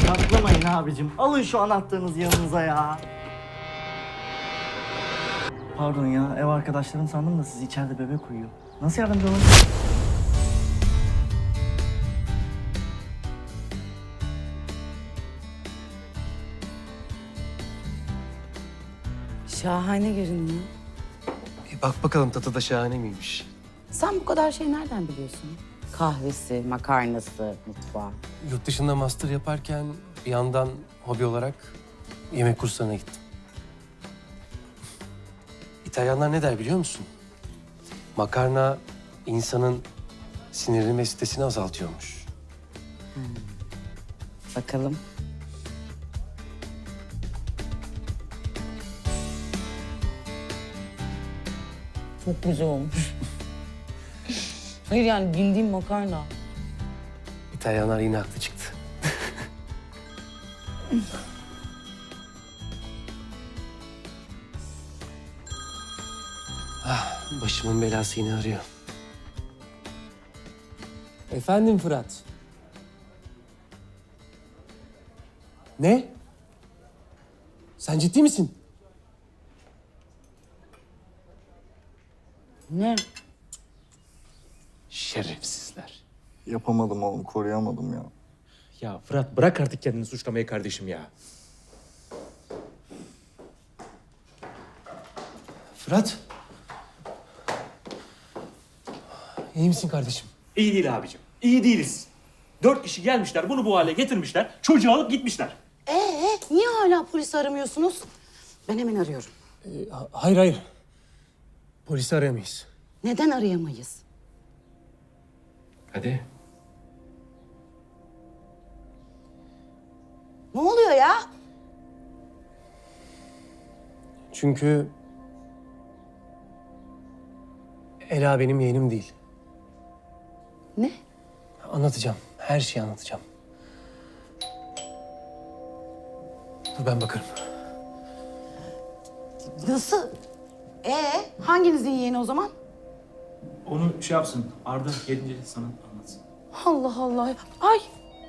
Saklamayın abicim. Alın şu anahtarınızı yanınıza ya. Pardon ya, ev arkadaşlarım sandım da siz içeride bebek uyuyor. Nasıl yardımcı olun? Şahane görünüyor. Bir bak bakalım tadı da şahane miymiş. Sen bu kadar şey nereden biliyorsun? Kahvesi, makarnası, mutfağı. Yurt dışında master yaparken bir yandan hobi olarak yemek kurslarına gittim. İtalyanlar ne der biliyor musun? Makarna insanın sinirini ve stresini azaltıyormuş. Bakalım. Çok güzel olmuş. Hayır yani bildiğim makarna. İtalyanlar yine haklı çıktı. Başımın belası yine arıyor. Efendim Fırat. Ne? Sen ciddi misin? Ne? Şerefsizler. Yapamadım oğlum, koruyamadım ya. Ya Fırat bırak artık kendini suçlamayı kardeşim ya. Fırat. İyi misin kardeşim? İyi değil abicim. İyi değiliz. 4 kişi gelmişler, bunu bu hale getirmişler. Çocuğu alıp gitmişler. Niye hala polisi aramıyorsunuz? Ben hemen arıyorum. Hayır. Polisi arayamayız. Neden arayamayız? Hadi. Ne oluyor ya? Çünkü Ela benim yeğenim değil. Ne? Anlatacağım. Her şeyi anlatacağım. Dur ben bakarım. Nasıl? Hanginizin yeğeni o zaman? Onu şey yapsın, Arda gelince sana anlatsın. Allah Allah. Ay.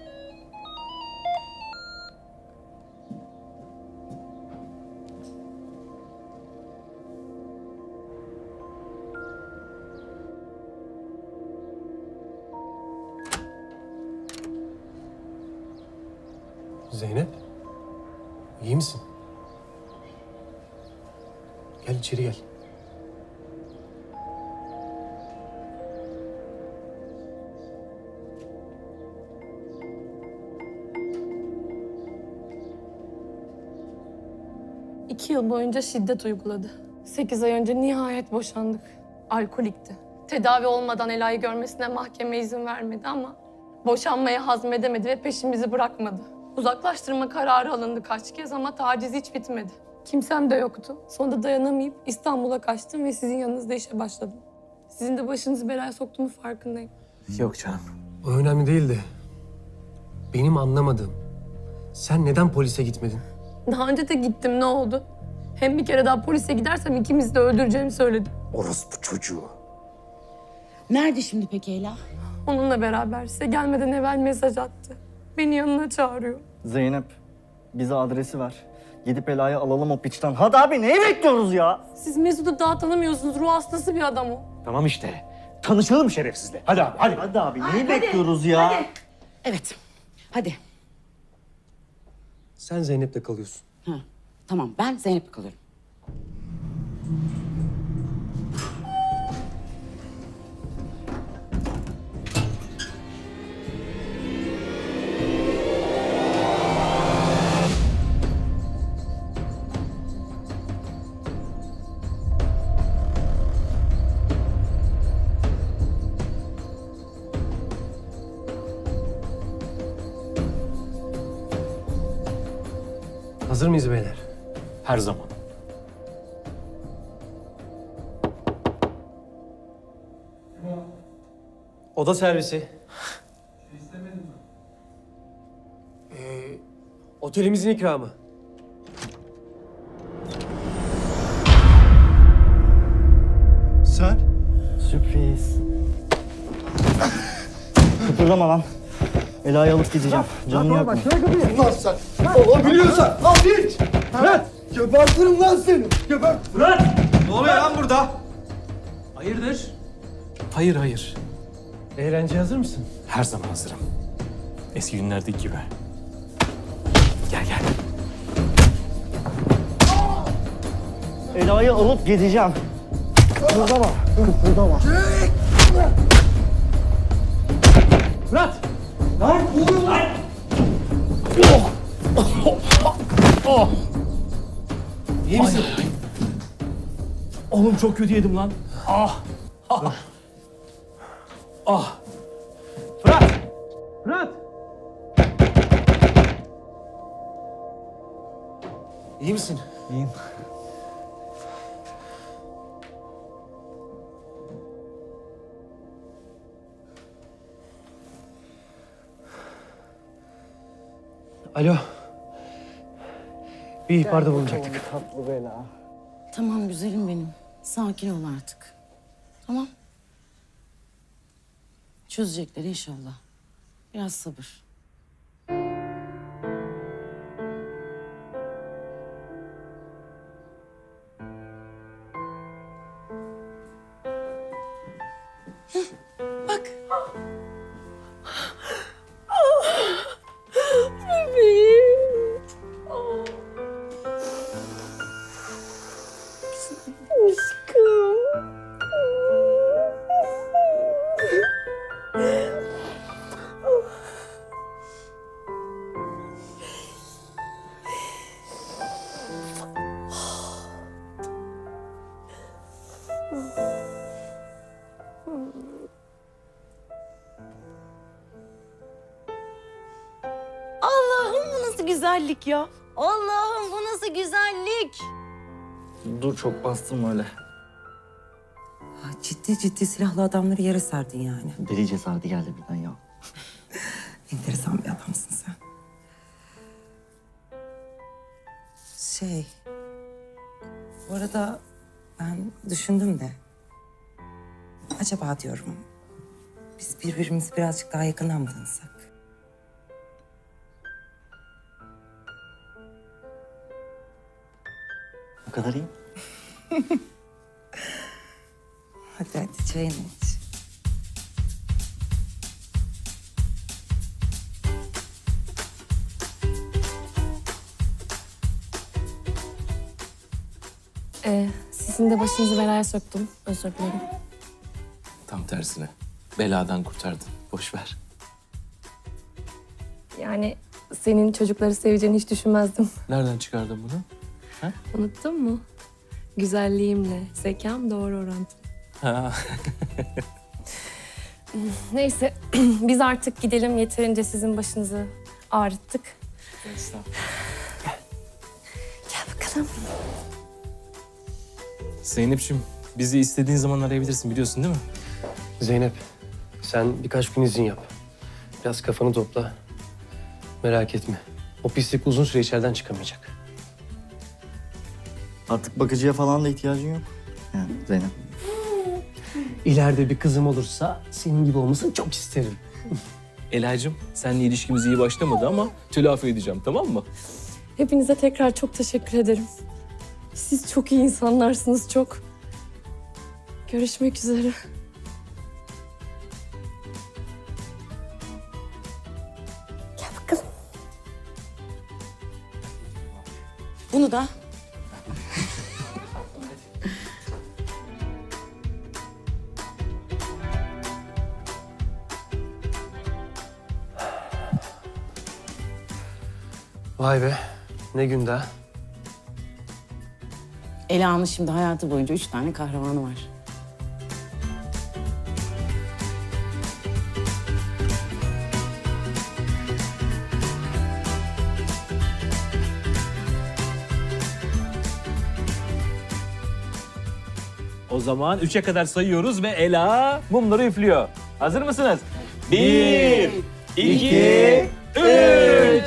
Zeynep. İyi misin? Gel içeri gel. İki yıl boyunca şiddet uyguladı. 8 ay önce nihayet boşandık. Alkolikti. Tedavi olmadan Ela'yı görmesine mahkeme izin vermedi ama boşanmayı hazmedemedi ve peşimizi bırakmadı. Uzaklaştırma kararı alındı kaç kez ama taciz hiç bitmedi. Kimsem de yoktu. Sonunda dayanamayıp İstanbul'a kaçtım ve sizin yanınızda işe başladım. Sizin de başınızı belaya soktuğumu farkındayım. Yok canım. O önemli değil de benim anlamadığım sen neden polise gitmedin? Daha önce de gittim, ne oldu? Hem bir kere daha polise gidersem ikimizi de öldüreceğimi söyledi. Orospu çocuğu. Nerede şimdi peki Ela? Onunla beraber size gelmeden evvel mesaj attı. Beni yanına çağırıyor. Zeynep, bize adresi ver. Gidip Ela'yı alalım o piçten. Hadi abi, neyi bekliyoruz ya? Siz Mesut'u daha tanımıyorsunuz. Ruh hastası bir adam o. Tamam işte. Tanışalım şerefsizle. Hadi abi, hadi. Hadi abi, neyi bekliyoruz ya? Evet. Hadi. Sen Zeynep'le kalıyorsun. Tamam, ben Zeynep'le kalıyorum. Hazır mıyız beyler? Her zaman. Oda servisi. Otelimizin ikramı. Sen? Sürpriz. Kıpırdama lan. Ela'yı alıp gideceğim. Canını yakma. Lan sen. Olabiliyorsan al hiç. Fırat. Gebertirim lan seni. Gebert. Fırat! Ne oluyor lan burada? Hayırdır? Hayır. Eğlenceye hazır mısın? Her zaman hazırım. Eski günlerdeki gibi. Gel gel. Ela'yı alıp gideceğim. Kıpırdama. Kıpırdama. Fırat! Lan oğlum lan. İyi misin? Oğlum çok kötü yedim lan. Ah! Ah! Ah! Fırat! Fırat! İyi misin? İyiyim. Alo. Bir ihbarda bulunacaktık. Tatlı bela. Tamam güzelim benim. Sakin ol artık. Tamam. Çözecekler inşallah. Biraz sabır. Heh, bak. Bebeğim. Aşkım. Allah'ım bu nasıl güzellik ya? Allah'ım bu nasıl güzellik? Dur çok bastım öyle. Ha, ciddi silahlı adamları yere serdin yani. Deli cesareti geldi birden ya. Enteresan bir adamsın sen. Bu arada ben düşündüm de. Acaba diyorum, biz birbirimizi birazcık daha yakından mı tanısak? O kadar iyi. Hadi çayını iç. Sizin de başınızı belaya soktum. Özür dilerim. Tam tersine. Beladan kurtardın. Boş ver. Yani senin çocukları seveceğini hiç düşünmezdim. Nereden çıkardın bunu? Unuttun mu? Güzelliğimle zekam doğru orantılı. Ha. Neyse biz artık gidelim. Yeterince sizin başınızı ağrıttık. Gel bakalım. Zeynep'ciğim bizi istediğin zaman arayabilirsin biliyorsun değil mi? Zeynep, sen birkaç gün izin yap. Biraz kafanı topla. Merak etme. O pislik uzun süre içeriden çıkamayacak. Artık bakıcıya falan da ihtiyacın yok. Yani Zeynep. İleride bir kızım olursa senin gibi olmasını çok isterim. Ela'cığım seninle ilişkimiz iyi başlamadı ama telafi edeceğim tamam mı? Hepinize tekrar çok teşekkür ederim. Siz çok iyi insanlarsınız, çok. Görüşmek üzere. Gel bakalım. Bunu da. Vay be, ne gün daha. Ela'nın şimdi hayatı boyunca 3 tane kahramanı var. O zaman 3'e kadar sayıyoruz ve Ela mumları üflüyor. Hazır mısınız? 1, 2, 3.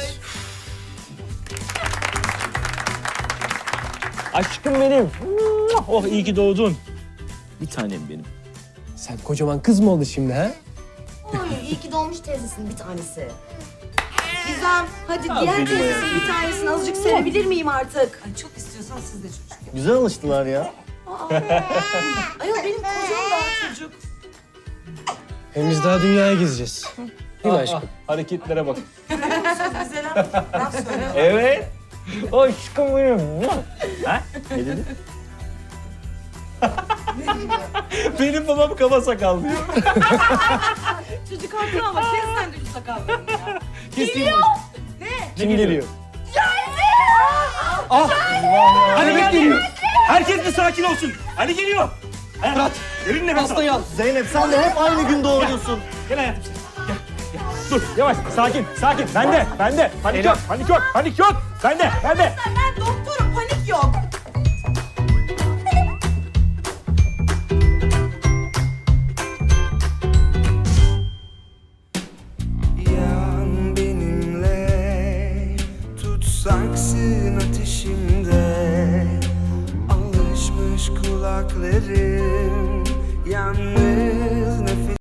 Aşkım benim. Oh iyi ki doğdun. Bir tanem benim. Sen kocaman kız mı oldun şimdi ha? Oy, iyi ki doğmuş teyzesinin bir tanesi. Gizem, hadi diğer teyzesinin bir tanesini azıcık sevebilir miyim artık? Ay çok istiyorsan siz de çocuk. Güzel alıştılar ya. Ayol benim kocam daha çocuk. Hem biz daha dünyaya gezeceğiz. Değil mi aşkım? Hareketlere bak. Güzel laf söyle. Evet. Aşkım benim. Ha? Ne dedi? Benim babam kaba sakal diyor. Çocuk haklı ama kes sen de şu sakallarını ya. Geliyor. Kim geliyor? Hadi geliyor. Herkes bir sakin olsun. Hadi geliyor. Fırat. Derin nefes al. Zeynep sen de hep aynı gün doğuruyorsun. Gel hayatım sen. Gel. Dur yavaş sakin sakin. Bende. Panik yok. Panik yok. Bende. Ben doktorum, panik yok. Yan benimle, tutsaksın ateşimde. Alışmış kulaklarım, yalnız nefes